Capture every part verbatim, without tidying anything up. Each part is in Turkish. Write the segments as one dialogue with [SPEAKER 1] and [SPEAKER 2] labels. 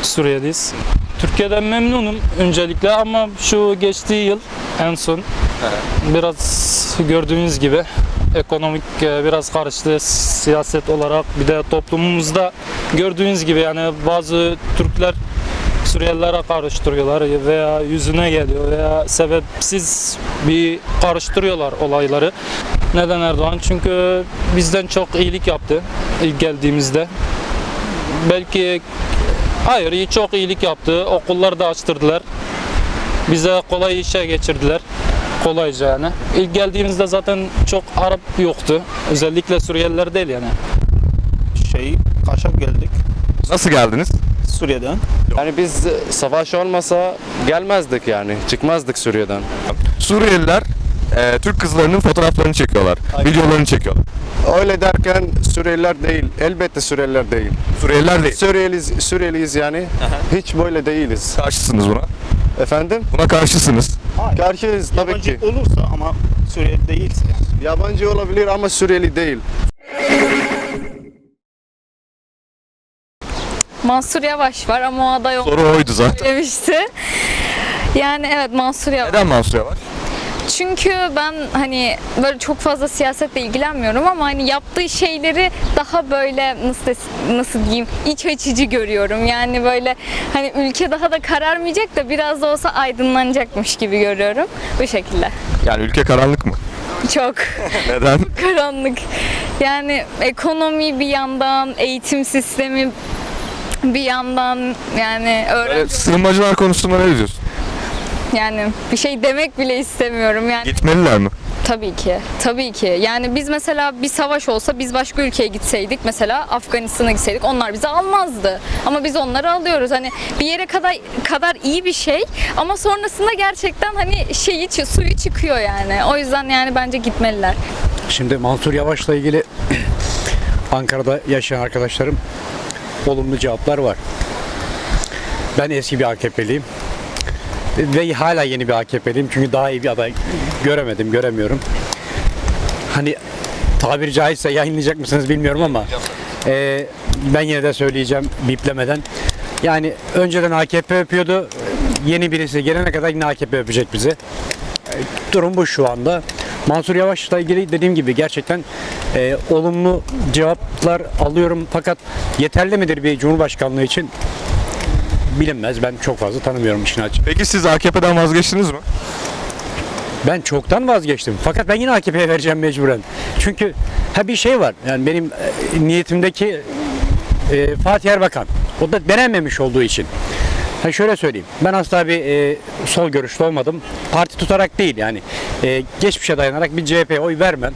[SPEAKER 1] Suriye'deyiz. Türkiye'den memnunum öncelikle ama şu geçtiği yıl en son biraz gördüğünüz gibi ekonomik biraz karıştı siyaset olarak, bir de toplumumuzda gördüğünüz gibi yani bazı Türkler Suriyelilere karıştırıyorlar veya yüzüne geliyor veya sebepsiz bir karıştırıyorlar olayları. Neden Erdoğan? Çünkü bizden çok iyilik yaptı ilk geldiğimizde. Belki hayır, iyi çok iyilik yaptı. Okulları da açtırdılar. Bize kolay işe geçirdiler. Kolayca yani. İlk geldiğimizde zaten çok Arap yoktu. Özellikle Suriyeliler değil yani.
[SPEAKER 2] Şey, kaçak geldik
[SPEAKER 3] Nasıl geldiniz?
[SPEAKER 2] Suriye'den.
[SPEAKER 4] Yani biz savaş olmasa gelmezdik yani. Çıkmazdık Suriye'den.
[SPEAKER 3] Suriyeliler e, Türk kızlarının fotoğraflarını çekiyorlar, videolarını çekiyorlar.
[SPEAKER 4] Öyle derken Suriyeliler değil. Elbette Suriyeliler değil.
[SPEAKER 3] Suriyeliler değil.
[SPEAKER 4] Suriyeliyiz, Suriyeliyiz yani. Hiç böyle değiliz.
[SPEAKER 3] Karşısınız buna.
[SPEAKER 4] Efendim?
[SPEAKER 3] Buna karşısınız.
[SPEAKER 4] Karşıyız tabii
[SPEAKER 2] Yabancı
[SPEAKER 4] ki.
[SPEAKER 2] olursa ama Suriyeli değilse.
[SPEAKER 4] Yabancı olabilir ama Suriyeli değil.
[SPEAKER 5] Mansur Yavaş var ama o aday
[SPEAKER 3] Soru oydu zaten.
[SPEAKER 5] demişti. Yani evet, Mansur Yavaş.
[SPEAKER 3] Neden Mansur Yavaş?
[SPEAKER 5] Çünkü ben hani böyle çok fazla siyasetle ilgilenmiyorum ama hani yaptığı şeyleri daha böyle nasıl des- nasıl diyeyim, iç açıcı görüyorum. Yani böyle hani ülke daha da kararmayacak da biraz da olsa aydınlanacakmış gibi görüyorum. Bu şekilde.
[SPEAKER 3] Yani ülke karanlık mı?
[SPEAKER 5] Çok
[SPEAKER 3] Neden?
[SPEAKER 5] karanlık. Yani ekonomi bir yandan, eğitim sistemi bir yandan, yani öğrenci
[SPEAKER 3] Böyle sığınmacılar konusunda ne diyorsun?
[SPEAKER 5] yani bir şey demek bile istemiyorum yani.
[SPEAKER 3] Gitmeliler mi?
[SPEAKER 5] Tabii ki. Tabii ki. Yani biz mesela bir savaş olsa biz başka ülkeye gitseydik, mesela Afganistan'a gitseydik, onlar bizi almazdı. Ama biz onları alıyoruz. Hani bir yere kadar kadar iyi bir şey ama sonrasında gerçekten hani şeyi çı- suyu çıkıyor yani. O yüzden yani bence gitmeliler.
[SPEAKER 6] Şimdi Mansur Yavaş'la ilgili Ankara'da yaşayan arkadaşlarım olumlu cevaplar var. Ben eski bir A K P'liyim ve hala yeni bir A K P'liyim çünkü daha iyi bir aday göremedim, göremiyorum. Hani tabiri caizse yayınlayacak mısınız bilmiyorum ama e, ben yine de söyleyeceğim biplemeden. Yani önceden A K P öpüyordu, yeni birisi gelene kadar yine A K P öpecek bizi. Durum bu şu anda. Mansur Yavaş'la ilgili dediğim gibi gerçekten e, olumlu cevaplar alıyorum fakat yeterli midir bir cumhurbaşkanlığı için bilinmez. Ben çok fazla tanımıyorum işin açığı.
[SPEAKER 3] Peki siz A K P'den vazgeçtiniz mi?
[SPEAKER 6] Ben çoktan vazgeçtim fakat ben yine A K P'ye vereceğim mecburen. Çünkü ha bir şey var, yani benim e, niyetimdeki e, Fatih Erbakan, o da denenmemiş olduğu için. Ha şöyle söyleyeyim, ben asla bir e, sol görüşlü olmadım. Parti tutarak değil yani. E, geçmişe dayanarak bir C H P'ye oy vermem.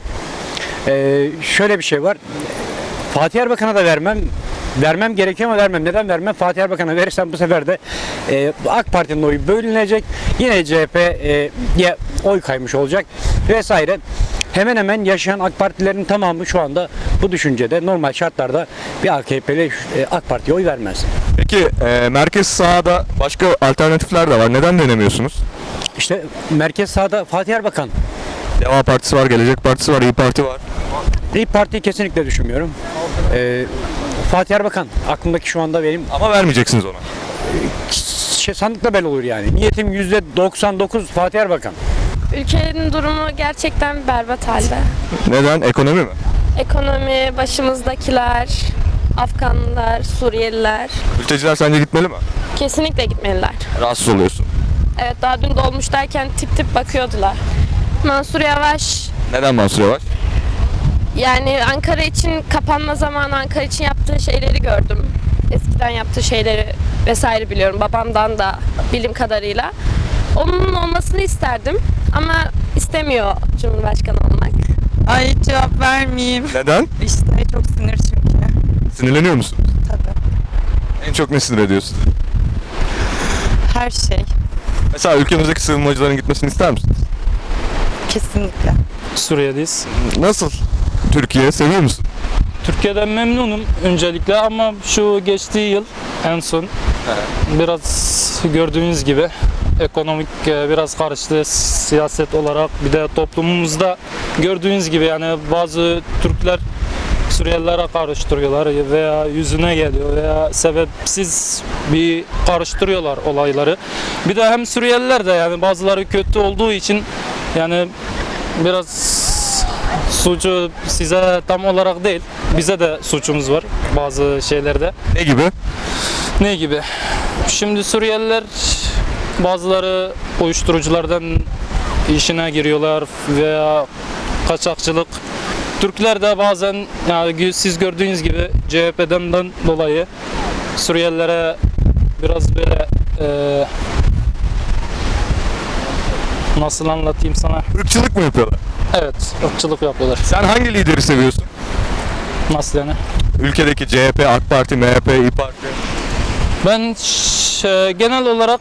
[SPEAKER 6] E, şöyle bir şey var. Fatih Erbakan'a da vermem. Vermem gerekiyor ama vermem. Neden vermem? Fatih Erbakan'a verirsem bu sefer de e, AK Parti'nin oyu bölünecek. Yine C H P'ye oy kaymış olacak vesaire. Hemen hemen yaşayan AK Partililerin tamamı şu anda bu düşüncede, normal şartlarda bir A K P'li e, AK Parti'ye oy vermez.
[SPEAKER 3] Peki e, merkez sağda başka alternatifler de var. Neden denemiyorsunuz?
[SPEAKER 6] İşte merkez sağda Fatih Erbakan.
[SPEAKER 3] Deva Partisi var, Gelecek Partisi var, İYİ Parti var.
[SPEAKER 6] İYİ Parti'yi kesinlikle düşünmüyorum. Ee, Fatih Erbakan aklımdaki şu anda benim
[SPEAKER 3] Ama vermeyeceksiniz ona.
[SPEAKER 6] şey, sandıkla belli olur yani. Niyetim yüzde doksan dokuz Fatih Erbakan.
[SPEAKER 7] Ülkenin durumu gerçekten berbat halde.
[SPEAKER 3] Neden? Ekonomi mi?
[SPEAKER 7] Ekonomi, başımızdakiler, Afganlılar, Suriyeliler
[SPEAKER 3] Mülteciler sence gitmeli mi?
[SPEAKER 7] kesinlikle gitmeliler.
[SPEAKER 3] Rahatsız oluyorsun.
[SPEAKER 7] Evet, daha dün dolmuştayken tip tip bakıyordular. Mansur Yavaş,
[SPEAKER 3] Neden Mansur Yavaş?
[SPEAKER 7] yani Ankara için kapanma zamanı Ankara için yaptığı şeyleri gördüm. Eskiden yaptığı şeyleri vesaire biliyorum, babamdan da bildiğim kadarıyla. Onun olmasını isterdim ama istemiyor Cumhurbaşkanı olmak.
[SPEAKER 8] Ay cevap vermeyeyim.
[SPEAKER 3] Neden?
[SPEAKER 8] İşte çok sinir çünkü.
[SPEAKER 3] Sinirleniyor musun?
[SPEAKER 8] Tabii.
[SPEAKER 3] En çok ne sinir ediyor sizi?
[SPEAKER 8] Her şey.
[SPEAKER 3] Mesela ülkemizdeki sığınmacıların gitmesini ister misiniz?
[SPEAKER 8] Kesinlikle.
[SPEAKER 1] Suriye'deyiz.
[SPEAKER 3] Nasıl? Türkiye seviyor musun?
[SPEAKER 1] Türkiye'den memnunum öncelikle ama şu geçtiği yıl en son biraz gördüğünüz gibi ekonomik biraz karıştı siyaset olarak, bir de toplumumuzda gördüğünüz gibi yani bazı Türkler Suriyelilere karıştırıyorlar veya yüzüne geliyor veya sebepsiz bir karıştırıyorlar olayları. Bir de hem Suriyeliler de yani bazıları kötü olduğu için yani biraz suçu size tam olarak değil, bize de suçumuz var bazı şeylerde.
[SPEAKER 3] Ne gibi?
[SPEAKER 1] Ne gibi? Şimdi Suriyeliler bazıları uyuşturuculardan işine giriyorlar veya kaçakçılık. Türkler de bazen yani siz gördüğünüz gibi C H P'den dolayı Suriyelilere biraz böyle e, nasıl anlatayım sana?
[SPEAKER 3] Irkçılık mı yapıyorlar?
[SPEAKER 1] Evet, ırkçılık yapıyorlar.
[SPEAKER 3] Sen hangi lideri seviyorsun?
[SPEAKER 1] Nasıl yani?
[SPEAKER 3] Ülkedeki C H P, AK Parti, M H P, İYİ Parti.
[SPEAKER 1] Ben ş- genel olarak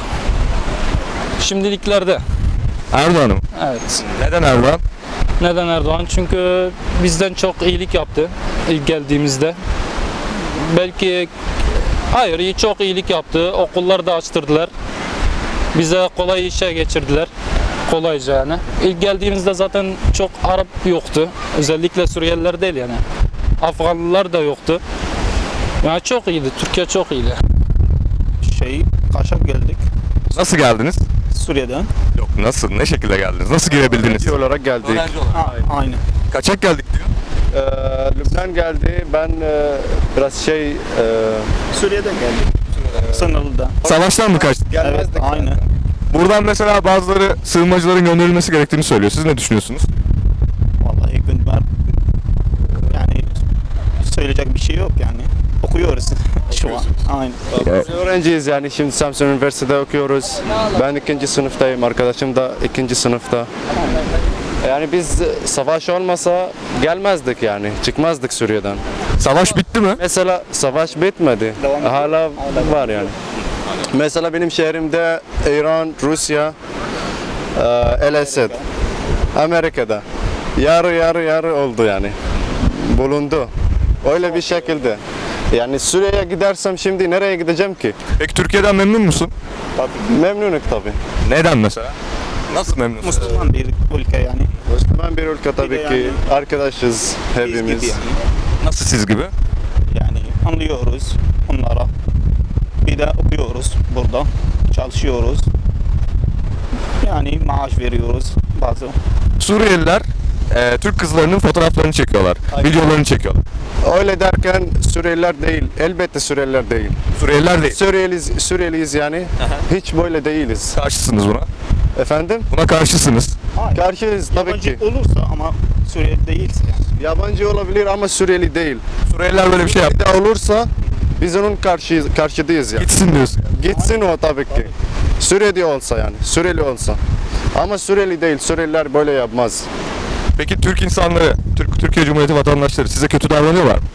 [SPEAKER 1] şimdiliklerde
[SPEAKER 3] Erdoğan'ım.
[SPEAKER 1] evet.
[SPEAKER 3] Neden Erdoğan?
[SPEAKER 1] Neden Erdoğan? Çünkü bizden çok iyilik yaptı ilk geldiğimizde. Belki hayır iyi çok iyilik yaptı. Okulları da açtırdılar. Bize kolay işe geçirdiler. Kolayca yani. İlk geldiğimizde zaten çok Arap yoktu. Özellikle Suriyeliler değil yani. Afganlılar da yoktu. Yani çok iyiydi. Türkiye çok iyiydi.
[SPEAKER 2] Şey, kaçak geldik
[SPEAKER 3] Nasıl geldiniz?
[SPEAKER 2] Suriye'den.
[SPEAKER 3] Yok nasıl? Ne şekilde geldiniz? Nasıl girebildiniz?
[SPEAKER 4] Öğrenci olarak geldik.
[SPEAKER 2] Ha, aynı.
[SPEAKER 3] Kaçak geldik diyor.
[SPEAKER 4] Ee, Lübnan geldi. Ben e, biraz şey e,
[SPEAKER 2] Suriye'den geldik. Sınırlıda.
[SPEAKER 3] Savaştan mı kaçtık?
[SPEAKER 2] Evet,
[SPEAKER 4] gelmezdik.
[SPEAKER 2] aynı.
[SPEAKER 3] Buradan mesela bazıları sığınmacıların gönderilmesi gerektiğini söylüyor. Siz ne düşünüyorsunuz?
[SPEAKER 2] Vallahi gün var. Yani söyleyecek bir şey yok yani. Okuyoruz şu an. Aynı.
[SPEAKER 4] Biz öğrenciyiz yani şimdi Samsun Üniversitesi'de okuyoruz. Ben ikinci sınıftayım, arkadaşım da ikinci sınıfta. Yani biz savaş olmasa gelmezdik yani, çıkmazdık Suriye'den.
[SPEAKER 3] Savaş bitti mi?
[SPEAKER 4] Mesela savaş bitmedi, hala var yani. Mesela benim şehrimde İran, Rusya, e, El Esed, Amerika'da yarı yarı yarı oldu yani, bulundu. Öyle bir şekilde. Yani Suriye'ye gidersem şimdi nereye gideceğim ki?
[SPEAKER 3] Peki Türkiye'den memnun musun?
[SPEAKER 4] Memnunum tabii.
[SPEAKER 3] Neden mesela? Nasıl memnunsun?
[SPEAKER 2] Müslüman bir ülke yani.
[SPEAKER 4] Müslüman bir ülke tabii
[SPEAKER 2] de
[SPEAKER 4] ki.
[SPEAKER 2] yani-
[SPEAKER 4] Arkadaşız
[SPEAKER 2] Biz
[SPEAKER 4] hepimiz.
[SPEAKER 2] gibi yani.
[SPEAKER 3] Nasıl siz gibi?
[SPEAKER 2] Yani anlıyoruz onlara. Bir de okuyoruz burada. Çalışıyoruz. Yani maaş veriyoruz bazı.
[SPEAKER 3] Suriyeliler e, Türk kızlarının fotoğraflarını çekiyorlar. Videolarını çekiyorlar.
[SPEAKER 4] Öyle derken Suriyeliler değil. Elbette Suriyeliler değil.
[SPEAKER 3] Suriyeliler değil.
[SPEAKER 4] Suriyeliyiz, Suriyeliyiz yani. Hiç böyle değiliz.
[SPEAKER 3] Karşısınız buna.
[SPEAKER 4] Efendim?
[SPEAKER 3] Buna karşısınız.
[SPEAKER 4] Karşıyız tabii
[SPEAKER 2] Yabancı
[SPEAKER 4] ki.
[SPEAKER 2] olursa ama Suriyeli değilse yani.
[SPEAKER 4] Yabancı olabilir ama Suriyeli değil.
[SPEAKER 3] Suriyeliler böyle bir şey
[SPEAKER 4] Bir
[SPEAKER 3] yaptı.
[SPEAKER 4] de olursa biz onun karşı, karşıdayız yani.
[SPEAKER 3] Gitsin diyorsun.
[SPEAKER 4] Gitsin o tabii ki. Suriyeli olsa yani. Suriyeli olsa. Ama Suriyeli değil. Suriyeliler böyle yapmaz.
[SPEAKER 3] Peki Türk insanları, Türk Türkiye Cumhuriyeti vatandaşları size kötü davranıyorlar mı?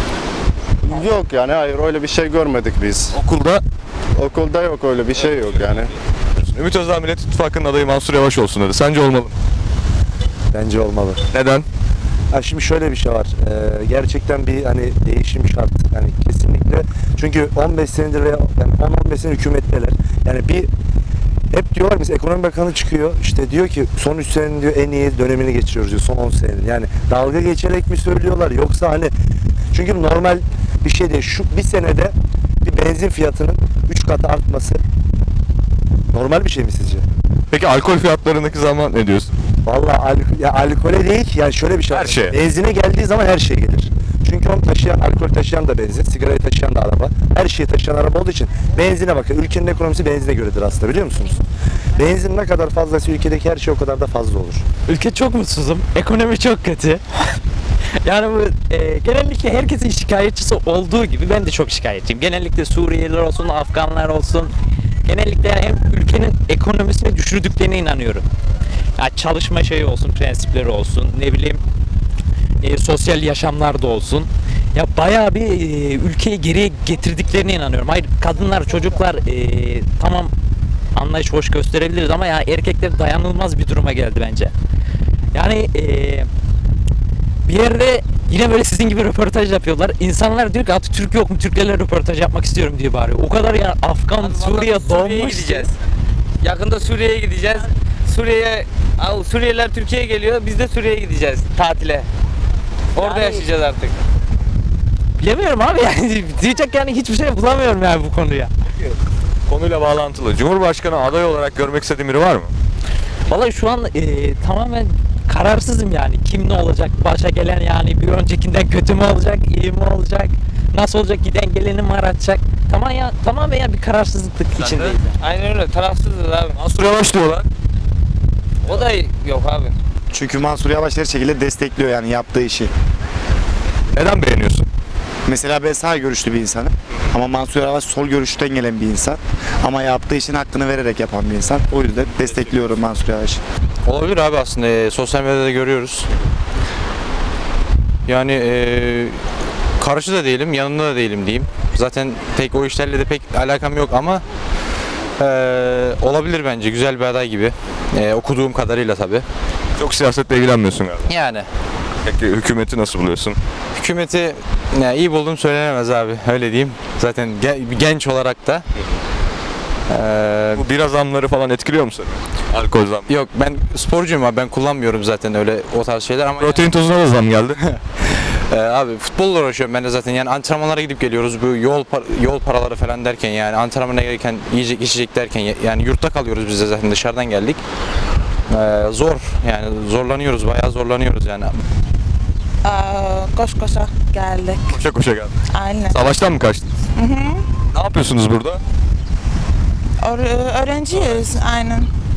[SPEAKER 4] Yok yani hayır öyle bir şey görmedik biz.
[SPEAKER 3] Okulda
[SPEAKER 4] Okulda yok öyle bir şey yok yani.
[SPEAKER 3] Ümit Özdağ Millet İttifakı'nın adayı Mansur Yavaş olsun dedi. Sence olmalı mı?
[SPEAKER 9] Bence olmalı.
[SPEAKER 3] Neden?
[SPEAKER 9] Ha şimdi şöyle bir şey var. Ee, gerçekten bir hani değişim şart. Yani kesinlikle. Çünkü on beş senedir veya yani on on beş sene hükümetteler. Yani bir hep diyorlar mesela ekonomi bakanı çıkıyor. İşte diyor ki son üç senenin diyor en iyi dönemini geçiriyoruz diyor. Son on senenin. Yani dalga geçerek mi söylüyorlar yoksa hani çünkü normal bir şey değil. Şu bir senede bir benzin fiyatının üç katı artması normal bir şey mi sizce?
[SPEAKER 3] Peki alkol fiyatlarındaki zaman ne diyorsun?
[SPEAKER 9] Vallahi alkol, ya alkole değil ki yani şöyle bir şey var.
[SPEAKER 3] Her şeye.
[SPEAKER 9] Benzine geldiği zaman her şey gelir. Çünkü onu taşıyan, alkol taşıyan da benzin, sigarayı taşıyan da araba. Her şeyi taşıyan araba olduğu için benzine bakın. Ülkenin ekonomisi benzine göredir aslında biliyor musunuz? Benzin ne kadar fazlaysa ülkedeki her şey o kadar da fazla olur.
[SPEAKER 10] Ülke çok mutsuzum. Ekonomi çok kötü. Yani bu e, genellikle herkesin şikayetçisi olduğu gibi ben de çok şikayetçiyim. Genellikle Suriyeliler olsun, Afganlar olsun. Genellikle yani hem ülkenin ekonomisini düşürdüklerine inanıyorum. Ya çalışma şeyi olsun, prensipleri olsun, ne bileyim e, sosyal yaşamlarda olsun. Ya bayağı bir e, ülkeyi geriye getirdiklerine inanıyorum. Hayır kadınlar, çocuklar e, tamam anlayış hoş gösterebiliriz ama ya erkekler dayanılmaz bir duruma geldi bence. Yani e, bir yerde yine böyle sizin gibi röportaj yapıyorlar. İnsanlar diyor ki artık Türk yok mu? Türklerle röportaj yapmak istiyorum diye bağırıyor. O kadar ya Afgan, Suriye
[SPEAKER 11] Suriye'ye
[SPEAKER 10] donmuş.
[SPEAKER 11] gideceğiz. Yakında Suriye'ye Orada
[SPEAKER 10] Yani-
[SPEAKER 11] yaşayacağız artık.
[SPEAKER 10] Bilemiyorum abi yani diyecek yani hiçbir şey bulamıyorum yani bu konuya.
[SPEAKER 3] Konuyla bağlantılı. Cumhurbaşkanı aday olarak görmek istediğin biri var mı?
[SPEAKER 10] Vallahi şu an e, tamamen kararsızım yani. Kim ne olacak? Başa gelen yani bir öncekinden kötü mü olacak? İyi mi olacak? Nasıl olacak? Giden geleni mi aratacak? Tamam ya, tamamen ya bir kararsızlık içindeyiz. yani.
[SPEAKER 11] Aynen öyle. Tarafsızız abi.
[SPEAKER 3] Mansur Yavaş diyorlar.
[SPEAKER 11] O da yok abi.
[SPEAKER 2] Çünkü Mansur Yavaş her şekilde destekliyor yani yaptığı işi.
[SPEAKER 3] Neden beğeniyorsun?
[SPEAKER 2] Mesela ben sağ görüşlü bir insanım. Ama Mansur Yavaş sol görüşten gelen bir insan. Ama yaptığı işin hakkını vererek yapan bir insan. O yüzden destekliyorum Mansur Yavaş'ı.
[SPEAKER 12] Olabilir abi aslında e, sosyal medyada görüyoruz. Yani e, karşı da değilim, yanında da değilim diyeyim. Zaten pek o işlerle de pek alakam yok ama e, olabilir bence güzel bir aday gibi. E, okuduğum kadarıyla tabii.
[SPEAKER 3] Çok siyasetle ilgilenmiyorsun galiba.
[SPEAKER 12] Yani
[SPEAKER 3] Peki hükümeti nasıl buluyorsun?
[SPEAKER 12] hükümeti ya, iyi bulduğum söylenemez abi öyle diyeyim. Zaten ge- genç olarak da. E,
[SPEAKER 3] Bu bira zamları falan etkiliyor mu seni? Alkol zam.
[SPEAKER 12] yok ben sporcuyum abi ben kullanmıyorum zaten öyle o tarz şeyler ama
[SPEAKER 3] Protein tozuna da zam geldi.
[SPEAKER 12] Ee, abi futbolla uğraşıyorum ben de zaten yani antrenmanlara gidip geliyoruz bu yol par- yol paraları falan derken yani antrenmana gelirken yiyecek içecek derken ya- yani yurtta kalıyoruz biz de zaten dışarıdan geldik. Ee, zor yani zorlanıyoruz bayağı zorlanıyoruz yani.
[SPEAKER 8] Koş koşa geldik.
[SPEAKER 3] Koşa koşa geldi.
[SPEAKER 8] Aynen.
[SPEAKER 3] Savaştan mı kaçtın? Ne yapıyorsunuz burada?
[SPEAKER 8] Öğrenciyiz aynen.